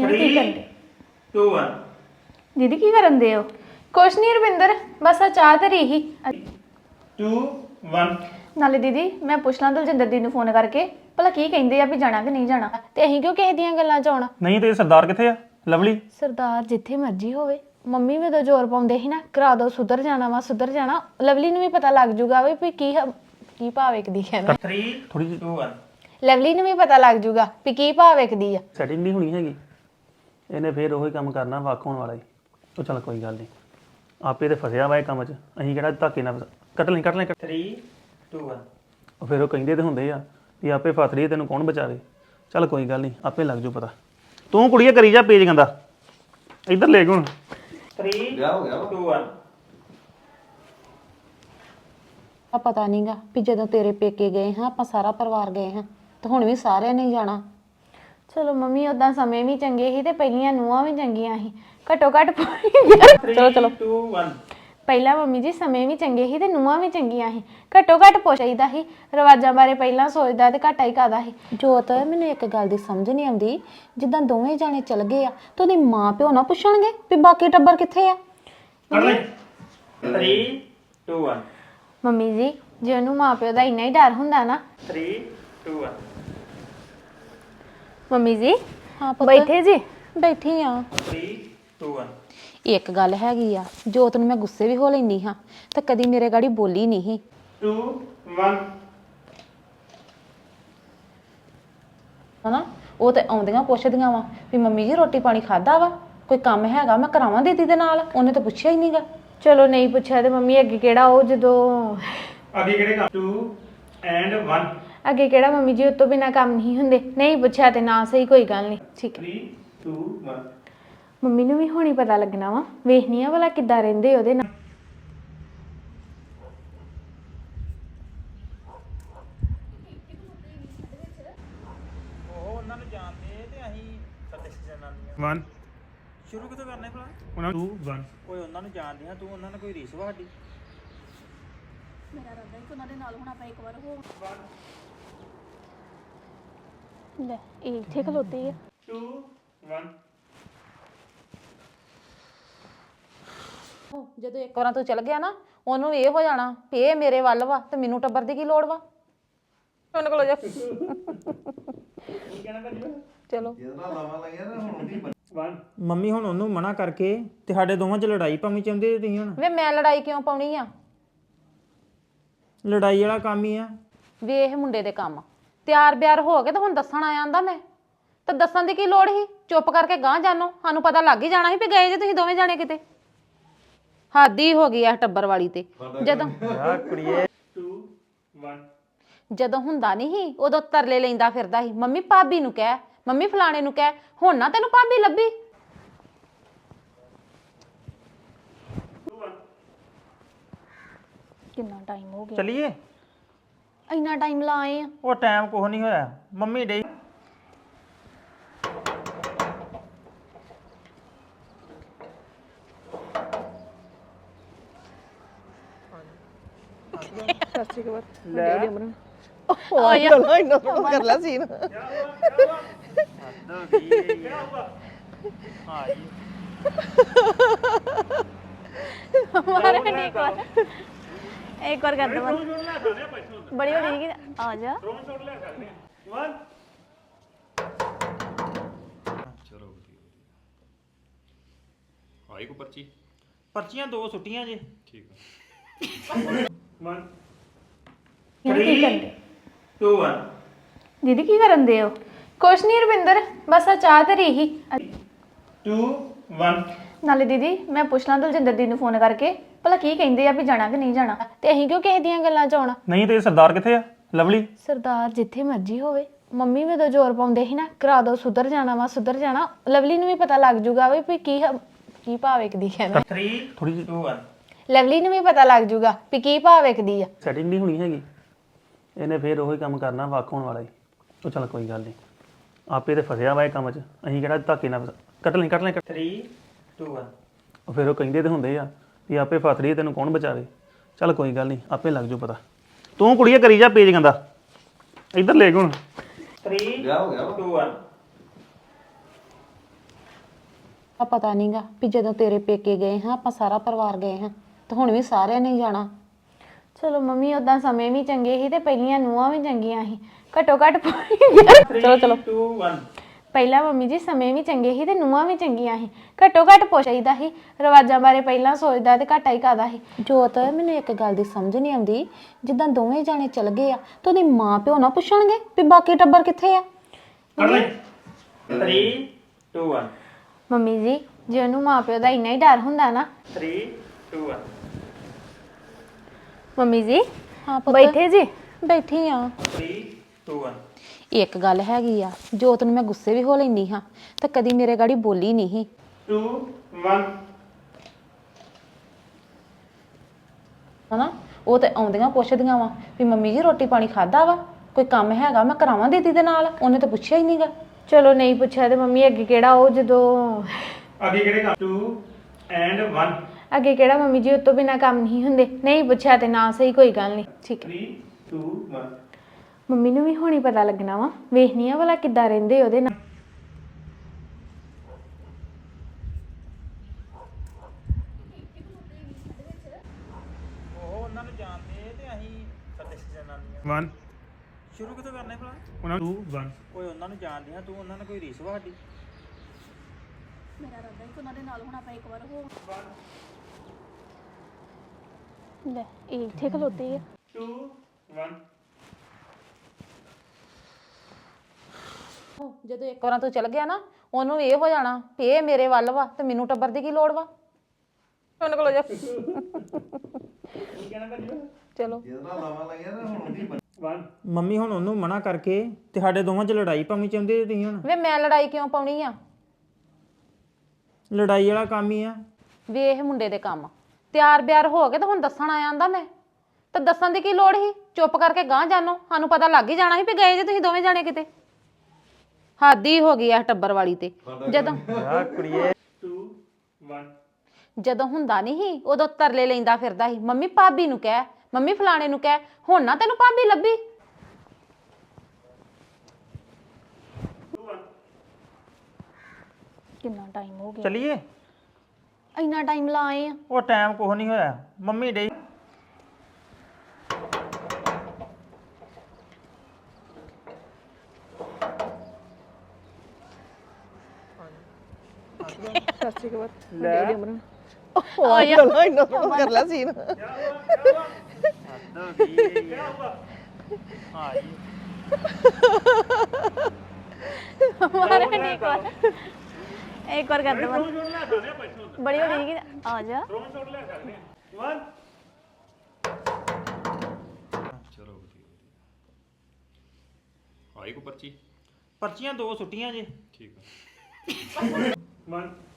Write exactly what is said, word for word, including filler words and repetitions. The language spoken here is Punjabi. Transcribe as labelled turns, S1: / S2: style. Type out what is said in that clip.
S1: ਕੀ ਕਰਦੇ
S2: two one
S1: ਦੀਦੀ ਕੀ ਕਰਨ ਦੇ ਹੋ ਕੁਛ ਨਹੀਂ ਰਵਿੰਦਰ ਬਸ ਆ ਚਾਹ ਧਰੀ ਹੀ
S2: two one
S1: ਨਾਲੇ ਦੀਦੀ ਮੈਂ ਪੁੱਛ ਲਾਂ ਦਲਜਿੰਦਰ ਦੀ ਨੂੰ ਫੋਨ ਕਰਕੇ ਭਲਾ ਕੀ ਕਹਿੰਦੇ ਆ ਵੀ ਜਾਣਾ ਕਿ ਨਹੀਂ ਜਾਣਾ ਤੇ ਅਸੀਂ ਕਿਉਂ ਕਿਸੇ ਦੀਆਂ ਗੱਲਾਂ ਚ ਆਉਣਾ
S3: ਨਹੀਂ ਤੇ ਸਰਦਾਰ ਕਿੱਥੇ ਆ ਲਵਲੀ
S1: ਸਰਦਾਰ ਜਿੱਥੇ ਮਰਜ਼ੀ ਹੋਵੇ ਮੰਮੀ ਵੀ ਤਾਂ ਜ਼ੋਰ ਪਾਉਂਦੇ ਸੀ ਨਾ ਕਰਾ ਦੋ ਸੁਧਰ ਜਾਣਾ ਵਾ ਸੁਧਰ ਜਾਣਾ ਲਵਲੀ ਨੂੰ ਵੀ ਪਤਾ ਲੱਗ ਜੂਗਾ ਵੀ ਕੀ ਕੀ ਭਾਵ ਵੇਖਦੀ ਹੈ ਨਾ
S2: three
S3: ਥੋੜੀ ਜਿਹੀ
S2: two one
S1: ਲਵਲੀ ਨੂੰ ਵੀ ਪਤਾ ਲੱਗ ਜੂਗਾ ਵੀ ਕੀ ਭਾਵ ਵੇਖਦੀ ਆ
S3: ਸੈਟਿੰਗ ਨਹੀਂ ਹੋਣੀ ਹੈਗੀ ਇਹਨੇ ਫੇਰ ਉਹੀ ਕੰਮ ਕਰਨਾ ਵੱਖ ਹੋਣ ਵਾਲਾ ਹੀ ਉਹ ਚੱਲ ਕੋਈ ਗੱਲ ਨਹੀਂ ਆਪੇ ਤੇ ਫਸਿਆ ਵਾ ਇਹ ਕੰਮ 'ਚ ਅਸੀਂ ਕਿਹੜਾ ਧੱਕੇ ਨਾਲ ਕੱਟ ਲੈ ਕੱਟ ਲੈ
S2: three two one
S3: ਉਹ ਫਿਰ ਉਹ ਕਹਿੰਦੇ ਤੇ ਹੁੰਦੇ ਆ ਵੀ ਆਪੇ ਫਸ ਰਹੀ ਤੈਨੂੰ ਕੌਣ ਬਚਾਵੇ ਚੱਲ ਕੋਈ ਗੱਲ ਨਹੀਂ ਆਪੇ ਲੱਗ ਜੂ ਪਤਾ ਤੂੰ ਕੁੜੀਏ ਕਰੀ ਜਾ ਪੇਜ ਗੰਦਾ ਇੱਧਰ ਲੈ ਗੁਣ
S2: three two one
S4: ਆ ਪਤਾ ਨਹੀਂਗਾ ਵੀ ਜਦੋਂ ਤੇਰੇ ਪੇਕੇ ਗਏ ਹਾਂ ਆਪਾਂ ਸਾਰਾ ਪਰਿਵਾਰ ਗਏ ਹਾਂ ਤੇ ਹੁਣ ਵੀ ਸਾਰਿਆਂ ਨੇ ਜਾਣਾ
S1: ਚਲੋ ਮੰਮੀ ਉਦਾਂ ਸਮੇਂ ਵੀ ਚੰਗੇ ਸੀ ਤੇ ਪਹਿਲੀਆਂ ਨੂੰਹਾਂ ਵੀ ਚੰਗੀਆਂ ਸੀ ਘੱਟੋ ਘੱਟ
S2: ਚਲੋ ਚਲੋ two one
S1: ਪਹਿਲਾਂ ਮੰਮੀ ਜੀ ਸਮੇਂ ਵੀ ਚੰਗੇ ਸੀ ਤੇ ਨੂੰਹਾਂ ਵੀ ਚੰਗੀਆਂ ਸੀ ਘੱਟੋ ਘੱਟ ਪੁੱਛ ਚਾਹੀਦਾ ਸੀ ਰਿਵਾਜਾਂ ਬਾਰੇ ਪਹਿਲਾਂ ਸੋਚਦਾ ਤੇ ਘਾਟਾ ਹੀ ਕਾਦਾ ਸੀ
S4: ਜੋਤ ਮੈਨੂੰ ਇੱਕ ਗੱਲ ਦੀ ਸਮਝ ਨਹੀਂ ਆਉਂਦੀ ਜਿੱਦਾਂ ਦੋਵੇਂ ਜਾਣੇ ਚਲ ਗਏ ਆ ਤੇ ਉਹਦੇ ਮਾਂ ਪਿਓ ਨਾ ਪੁੱਛਣਗੇ ਵੀ ਬਾਕੀ ਟੱਬਰ ਕਿੱਥੇ ਆ
S2: ਕੱਟ ਲੈ three two one
S1: ਮੰਮੀ ਜੀ ਜੇ ਉਹਨੂੰ ਮਾਪਿਓ ਦਾ ਇੰਨਾ ਹੀ ਡਰ ਹੁੰਦਾ ਨਾ
S2: three two one
S1: ਮੰਮੀ ਜੀ
S4: ਹਾਂ ਪੁੱਤ
S1: ਬੈਠੇ ਜੀ
S4: ਬੈਠੀ ਆ
S2: three two one
S4: ਇੱਕ ਗੱਲ ਹੈਗੀ ਆ ਜੋਤ ਨੂੰ ਮੈਂ ਗੁੱਸੇ ਵੀ ਹੋ ਲੈਂਦੀ ਹਾਂ ਤੇ ਕਦੀ ਮੇਰੇ ਗਾੜੀ ਬੋਲੀ ਨਹੀਂ
S2: two one
S4: ਹਨਾ ਉਹ ਤੇ ਆਉਂਦੀਆਂ ਪੁੱਛਦੀਆਂ ਵਾ ਵੀ ਮੰਮੀ ਜੀ ਰੋਟੀ ਪਾਣੀ ਖਾਦਾ ਵਾ ਕੋਈ ਕੰਮ ਹੈਗਾ ਮੈਂ ਕਰਾਵਾਂ ਦੀਦੀ ਦੇ ਨਾਲ ਉਹਨੇ ਤਾਂ ਪੁੱਛਿਆ ਹੀ ਨਹੀਂਗਾ
S1: ਚਲੋ ਨਹੀਂ ਪੁੱਛਿਆ ਤੇ ਮੰਮੀ ਅੱਗੇ ਕਿਹੜਾ ਉਹ ਜਦੋਂ
S2: ਅੱਗੇ ਕਿਹੜੇ ਕੰਮ two and one
S1: ਅੱਗੇ ਕਿਹੜਾ ਮੰਮੀ ਜੀ ਉਸ ਤੋਂ ਬਿਨਾ ਕੰਮ ਨਹੀਂ ਹੁੰਦੇ ਨਹੀਂ ਪੁੱਛਿਆ ਤੇ ਨਾ ਸਹੀ ਕੋਈ ਗੱਲ ਨਹੀਂ ਠੀਕ ਹੈ
S2: three two one
S1: ਮੰਮੀ ਨੂੰ ਵੀ ਹੁਣੀ ਪਤਾ ਲੱਗਣਾ ਵਾ ਵੇਖਣੀ ਆ ਭਲਾ ਕਿੱਦਾਂ ਰਹਿੰਦੇ ਉਹਦੇ ਨਾਲ
S2: ਉਹ ਉਹਨਾਂ ਨੂੰ ਜਾਣਦੇ ਤੇ ਅਸੀਂ ਸੱਤੇ ਜਨਾਨੀਆਂ
S3: one
S2: ਸ਼ੁਰੂ ਕਿੱਥੋਂ ਕਰਨਾ ਭਲਾ
S3: ਉਹਨਾਂ two one
S2: ਓਏ ਉਹਨਾਂ ਨੂੰ ਜਾਣਦੇ ਆ ਤੂੰ ਉਹਨਾਂ ਨਾਲ ਕੋਈ ਰੀਸ ਵਾ ਸਾਡੀ
S1: ਲੈ ਇਹ ਇੱਥੇ ਖਲੋਤੇ ਆ
S2: two one
S4: ਜਦੋਂ ਇੱਕ ਵਾਰਾਂ ਤੂੰ ਚਲ ਗਿਆ ਨਾ ਉਹਨੂੰ ਇਹ ਹੋ ਜਾਣਾ ਵੀ ਇਹ ਮੇਰੇ ਵੱਲ ਵਾ ਤੇ ਮੈਨੂੰ ਟੱਬਰ ਦੀ ਕੀ ਲੋੜ ਵਾ ਉਹਨੇ ਕੋਲ ਜਾ ਚਲੋ
S2: one ਮੰਮੀ ਹੁਣ ਉਹਨੂੰ ਮਨਾ ਕਰਕੇ ਤੇ ਸਾਡੇ ਦੋਵਾਂ 'ਚ ਲੜਾਈ ਭਾਵੇਂ ਚਾਹੁੰਦੇ ਤੁਸੀਂ ਹੁਣ
S4: ਵੇ ਮੈਂ ਲੜਾਈ ਕਿਉਂ ਪਾਉਣੀ ਆ
S2: ਲੜਾਈ ਵਾਲਾ ਕੰਮ ਹੀ ਆ
S4: ਵੇਖ ਮੁੰਡੇ ਦੇ ਕੰਮ ਤਿਆਰ ਬਿਆਰ ਹੋ ਕੇ ਤੇ ਹੁਣ ਦੱਸਣ ਆਇਆ ਆਂਦਾ ਮੈਂ ਤੇ ਦੱਸਣ ਦੀ ਕੀ ਲੋੜ ਸੀ ਚੁੱਪ ਕਰਕੇ ਗਾਂਹ ਜਾਨੋ ਸਾਨੂੰ ਪਤਾ ਲੱਗ ਹੀ ਜਾਣਾ ਸੀ ਵੀ ਗਏ ਜੇ ਤੁਸੀਂ ਦੋਵੇਂ ਜਾਣੇ ਕਿਤੇ ਹੱਦ ਹੀ ਹੋ ਗਈ ਆ ਟੱਬਰ ਵਾਲੀ ਤੇ ਜਦੋਂ
S2: ਆ ਕੁੜੀਏ two one
S4: ਜਦੋਂ ਹੁੰਦਾ ਨਹੀਂ ਸੀ ਉਦੋਂ ਤਰਲੇ ਲੈਂਦਾ ਫਿਰਦਾ ਸੀ ਮੰਮੀ ਭਾਬੀ ਨੂੰ ਕਹਿ ਮੰਮੀ ਫਲਾਣੇ ਨੂੰ ਕਹਿ ਹੁਣ ਨਾ ਤੈਨੂੰ ਭਾਬੀ ਲੱਭੀ
S1: ਕਿੰਨਾ ਟਾਈਮ ਹੋ ਗਿਆ
S2: ਚਲਿਏ
S1: ਇੰਨਾ ਟਾਈਮ ਲਾ ਆਏ ਆ
S2: ਉਹ ਟਾਈਮ ਕੁਛ ਨਹੀਂ ਹੋਇਆ ਮੰਮੀ ਡੇ
S1: ਮਾਰੇ ਨਹੀਂ ਇੱਕ ਵਾਰ ਇੱਕ ਵਾਰ ਕਰ ਦਵਾਂ ਬੜੀ ਬੜੀ ਕਿ ਆ ਜਾ
S5: ਆਈ ਕੋ ਪਰਚੀ
S2: ਪਰਚੀਆਂ ਦੋ ਸੁੱਟੀਆਂ ਜੇ
S5: ਠੀਕ ਆ
S2: one
S1: ਕੀ ਕਰਦੇ
S2: two one
S1: ਦੀਦੀ ਕੀ ਕਰਨ ਦੇ ਹੋ ਕੁਛ ਨਹੀਂ ਰਵਿੰਦਰ ਬਸ ਆ ਚਾਹ ਧਰੀ ਹੀ
S2: two one
S1: ਨਾਲੇ ਦੀਦੀ ਮੈਂ ਪੁੱਛ ਲਾਂ ਦਲਜਿੰਦਰ ਦੀ ਨੂੰ ਫੋਨ ਕਰਕੇ ਭਲਾ ਕੀ ਕਹਿੰਦੇ ਆ ਵੀ ਜਾਣਾ ਕਿ ਨਹੀਂ ਜਾਣਾ ਤੇ ਅਸੀਂ ਕਿਉਂ ਕਿਸੇ ਦੀਆਂ ਗੱਲਾਂ ਚ ਆਉਣਾ
S3: ਨਹੀਂ ਤੇ ਸਰਦਾਰ ਕਿੱਥੇ ਆ ਲਵਲੀ
S1: ਸਰਦਾਰ ਜਿੱਥੇ ਮਰਜ਼ੀ ਹੋਵੇ ਮੰਮੀ ਵੀ ਤਾਂ ਜ਼ੋਰ ਪਾਉਂਦੇ ਸੀ ਨਾ ਕਰਾ ਦੋ ਸੁਧਰ ਜਾਣਾ ਵਾ ਸੁਧਰ ਜਾਣਾ ਲਵਲੀ ਨੂੰ ਵੀ ਪਤਾ ਲੱਗ ਜੂਗਾ ਵੀ ਕੀ ਕੀ ਭਾਵ ਵੇਖਦੀ ਹੈ ਨਾ
S2: three
S3: ਥੋੜੀ ਜਿਹੀ
S2: two one
S1: ਲਵਲੀ ਨੂੰ ਵੀ ਪਤਾ ਲੱਗ ਜੂਗਾ ਵੀ ਕੀ ਭਾਵ ਵੇਖਦੀ ਆ
S3: ਸੈਟਿੰਗ ਨਹੀਂ ਹੋਣੀ ਹੈਗੀ ਇਹਨੇ ਫੇਰ ਉਹੀ ਕੰਮ ਕਰਨਾ ਵੱਖ ਹੋਣ ਵਾਲਾ ਹੀ ਉਹ ਚੱਲ ਕੋਈ ਗੱਲ ਨਹੀਂ ਆਪੇ ਤੇ ਫਸਿਆ ਵਾ ਇਹ ਕੰਮ 'ਚ ਅਸੀਂ ਕਿਹੜਾ ਧੱਕੇ ਨਾਲ ਕੱਟ ਲੈ ਕੱਟ ਲੈ
S2: three two one
S3: ਉਹ ਫਿਰ ਉਹ ਕਹਿੰਦੇ ਤੇ ਹੁੰਦੇ ਆ ਵੀ ਆਪੇ ਫਸ ਰਹੀ ਤੈਨੂੰ ਕੌਣ ਬਚਾਵੇ ਚੱਲ ਕੋਈ ਗੱਲ ਨਹੀਂ ਆਪੇ ਲੱਗ ਜੂ ਪਤਾ ਤੂੰ ਕੁੜੀਏ ਕਰੀ ਜਾ ਪੇਜ ਗੰਦਾ ਇੱਧਰ ਲੈ ਗੁਣ
S2: three two one
S4: ਆ ਪਤਾ ਨਹੀਂਗਾ ਵੀ ਜਦੋਂ ਤੇਰੇ ਪੇਕੇ ਗਏ ਹਾਂ ਆਪਾਂ ਸਾਰਾ ਪਰਿਵਾਰ ਗਏ ਹਾਂ ਤੇ ਹੁਣ ਵੀ ਸਾਰਿਆਂ ਨੇ ਹੀ ਜਾਣਾ।
S1: ਚਲੋ ਮੰਮੀ ਉਦਾਂ ਸਮੇਂ ਵੀ ਚੰਗੇ ਸੀ ਤੇ ਪਹਿਲੀਆਂ ਨੂੰਹਾਂ ਵੀ ਚੰਗੀਆਂ ਸੀ ਘੱਟੋ ਘੱਟ
S3: ਚਲੋ ਚਲੋ
S2: ਟੂ ਵਨ
S1: ਪਹਿਲਾਂ ਮੰਮੀ ਜੀ ਸਮੇਂ ਵੀ ਚੰਗੇ ਸੀ ਤੇ ਨੂੰਹਾਂ ਵੀ ਚੰਗੀਆਂ ਸੀ ਘੱਟੋ ਘੱਟ ਪੁੱਛ ਚਾਹੀਦਾ ਸੀ ਰਿਵਾਜਾਂ ਬਾਰੇ ਪਹਿਲਾਂ ਸੋਚਦਾ ਤੇ ਘਾਟਾ ਹੀ ਕਾਦਾ ਸੀ।
S4: ਜੋਤ ਮੈਨੂੰ ਇੱਕ ਗੱਲ ਦੀ ਸਮਝ ਨਹੀਂ ਆਉਂਦੀ ਜਿੱਦਾਂ ਦੋਵੇਂ ਜਾਣੇ ਚਲ ਗਏ ਆ ਤੇ ਉਹਦੀ ਮਾਂ ਪਿਓ ਨਾ ਪੁੱਛਣਗੇ ਵੀ ਬਾਕੀ ਟੱਬਰ ਕਿੱਥੇ ਆ।
S2: ਥ੍ਰੀ ਟੂ ਵਨ
S1: ਮੰਮੀ ਜੀ ਜੇ ਉਹਨੂੰ ਮਾਪਿਓ ਦਾ ਇੰਨਾ ਹੀ ਡਰ ਹੁੰਦਾ ਨਾ।
S2: ਥ੍ਰੀ ਟੂ ਵਨ
S1: ਮੰਮੀ ਜੀ
S4: ਹਾਂ ਪੁੱਤ
S1: ਬੈਠੇ ਜੀ
S4: ਬੈਠੀ ਆ।
S2: ਥ੍ਰੀ ਟੂ ਵਨ
S4: ਇੱਕ ਗੱਲ ਹੈਗੀ ਆ ਜੋਤ ਨੂੰ ਮੈਂ ਗੁੱਸੇ ਵੀ ਹੋ ਲੈਂਦੀ ਹਾਂ ਤੇ ਕਦੀ ਮੇਰੇ ਗਾੜੀ ਬੋਲੀ ਨਹੀਂ ਸੀ।
S2: ਟੂ ਵਨ
S4: ਹਨਾ ਉਹ ਤੇ ਆਉਂਦੀਆਂ ਪੁੱਛਦੀਆਂ ਵਾ ਵੀ ਮੰਮੀ ਜੀ ਰੋਟੀ ਪਾਣੀ ਖਾਦਾ ਵਾ ਕੋਈ ਕੰਮ ਹੈਗਾ ਮੈਂ ਕਰਾਵਾਂ ਦੀਦੀ ਦੇ ਨਾਲ ਉਹਨੇ ਤਾਂ ਪੁੱਛਿਆ ਹੀ ਨਹੀਂਗਾ।
S1: ਚਲੋ ਨਹੀਂ ਪੁੱਛਿਆ ਤੇ ਮੰਮੀ ਅੱਗੇ ਕਿਹੜਾ ਉਹ ਜਦੋਂ
S2: ਅੱਗੇ ਕਿਹੜੇ ਕੰਮ ਟੂ ਐਂਡ ਵਨ
S1: ਅੱਗੇ ਕਿਹੜਾ ਮੰਮੀ ਜੀ ਉਸ ਤੋਂ ਬਿਨਾ ਕੰਮ ਨਹੀਂ ਹੁੰਦੇ ਨਹੀਂ ਪੁੱਛਿਆ ਤੇ ਨਾ ਸਹੀ ਕੋਈ ਗੱਲ ਨਹੀਂ ਠੀਕ ਹੈ।
S2: ਥ੍ਰੀ ਟੂ ਵਨ
S1: ਮੰਮੀ ਨੂੰ ਵੀ ਹੁਣੀ ਪਤਾ ਲੱਗਣਾ ਵਾ ਵੇਖਨੀ ਆ ਭਲਾ ਕਿੱਦਾਂ ਰਹਿੰਦੇ ਉਹਦੇ ਨਾਲ।
S2: ਉਹ ਉਹਨਾਂ ਨੂੰ ਜਾਣਦੇ ਤੇ ਅਸੀਂ ਸਾਡੇ ਜਨਾਨੀਆਂ ਵਨ ਸ਼ੁਰੂ ਕਿੱਥੋਂ ਕਰਨਾ ਹੈ ਭਲਾ ਉਹਨਾਂ ਟੂ ਵਨ ਓਏ ਉਹਨਾਂ ਨੂੰ ਜਾਣਦੇ ਆ ਤੂੰ ਉਹਨਾਂ ਨਾਲ ਕੋਈ ਰੀਸ ਵਾ ਸਾਡੀ
S6: ਮੇਰਾ ਰੱਦਾ ਹੀ ਉਹਨਾਂ ਦੇ ਨਾਲ ਹੁਣ ਆਪਾਂ ਇੱਕ ਵਾਰ ਹੋ ਲੈ ਇਹ ਇੱਥੇ ਖਲੋਤੇ ਆ।
S2: ਟੂ ਵਨ
S4: ਜਦੋਂ ਇੱਕ ਵਾਰਾਂ ਤੂੰ ਚਲ ਗਿਆ ਨਾ ਉਹਨੂੰ ਇਹ ਹੋ ਜਾਣਾ ਵੀ ਇਹ ਮੇਰੇ ਵੱਲ ਵਾ ਤੇ ਮੈਨੂੰ ਟੱਬਰ ਦੀ ਕੀ ਲੋੜ ਵਾ। ਉਹਨਾਂ ਕੋਲ ਜਾ ਚਲੋ
S2: ਮੰਮੀ ਹੁਣ ਉਹਨੂੰ ਮਨਾ ਕਰਕੇ ਤੇ ਸਾਡੇ ਦੋਵਾਂ 'ਚ ਲੜਾਈ ਭਾਵੇਂ ਚਾਹੁੰਦੇ ਤੁਸੀਂ ਹੁਣ
S4: ਵੇ ਮੈਂ ਲੜਾਈ ਕਿਉਂ ਪਾਉਣੀ ਆ।
S2: ਲੜਾਈ ਵਾਲਾ ਕੰਮ ਹੀ ਆ
S4: ਵੇਖ ਮੁੰਡੇ ਦੇ ਕੰਮ ਤਿਆਰ ਬਿਆਰ ਹੋ ਕੇ ਤੇ ਹੁਣ ਦੱਸਣ ਆਇਆ ਆਂਦਾ ਮੈਂ ਤੇ ਦੱਸਣ ਦੀ ਕੀ ਲੋੜ ਸੀ ਚੁੱਪ ਕਰਕੇ ਗਾਂਹ ਜਾਨੋ ਸਾਨੂੰ ਪਤਾ ਲੱਗ ਹੀ ਜਾਣਾ ਸੀ ਵੀ ਗਏ ਜੇ ਤੁਸੀਂ ਦੋਵੇਂ ਜਾਣੇ ਕਿਤੇ। ਹੱਦ ਹੀ ਹੋ ਗਈ ਆ ਟੱਬਰ ਵਾਲੀ ਤੇ ਜਦੋਂ
S2: ਆ ਕੁੜੀਏ ਟੂ ਵਨ
S4: ਜਦੋਂ ਹੁੰਦਾ ਨਹੀਂ ਸੀ ਉਦੋਂ ਤਰਲੇ ਲੈਂਦਾ ਫਿਰਦਾ ਸੀ ਮੰਮੀ ਭਾਬੀ ਨੂੰ ਕਹਿ ਮੰਮੀ ਫਲਾਣੇ ਨੂੰ ਕਹਿ ਹੁਣ ਨਾ ਤੈਨੂੰ ਭਾਬੀ ਲੱਭੀ।
S6: ਕਿੰਨਾ ਟਾਈਮ ਹੋ ਗਿਆ
S2: ਚਲਿਏ
S6: ਇੰਨਾ ਟਾਈਮ ਲਾ ਆਏ ਆ।
S2: ਉਹ ਟਾਈਮ ਕੁਛ ਨਹੀਂ ਹੋਇਆ ਮੰਮੀ ਡੇ
S6: ਮਾਰੇ ਨਹੀਂ ਇੱਕ ਵਾਰ ਇੱਕ ਵਾਰ ਕਰ ਦੇ ਬੜੀ ਹੋ ਗਈ ਆ ਜਾ
S5: ਚਲੋ ਵਧੀਆ ਆਈ ਕੋ ਪਰਚੀ
S2: ਪਰਚੀਆਂ ਦੋ ਸੁੱਟੀਆਂ ਜੇ
S5: ਠੀਕ ਆ
S2: ਵਨ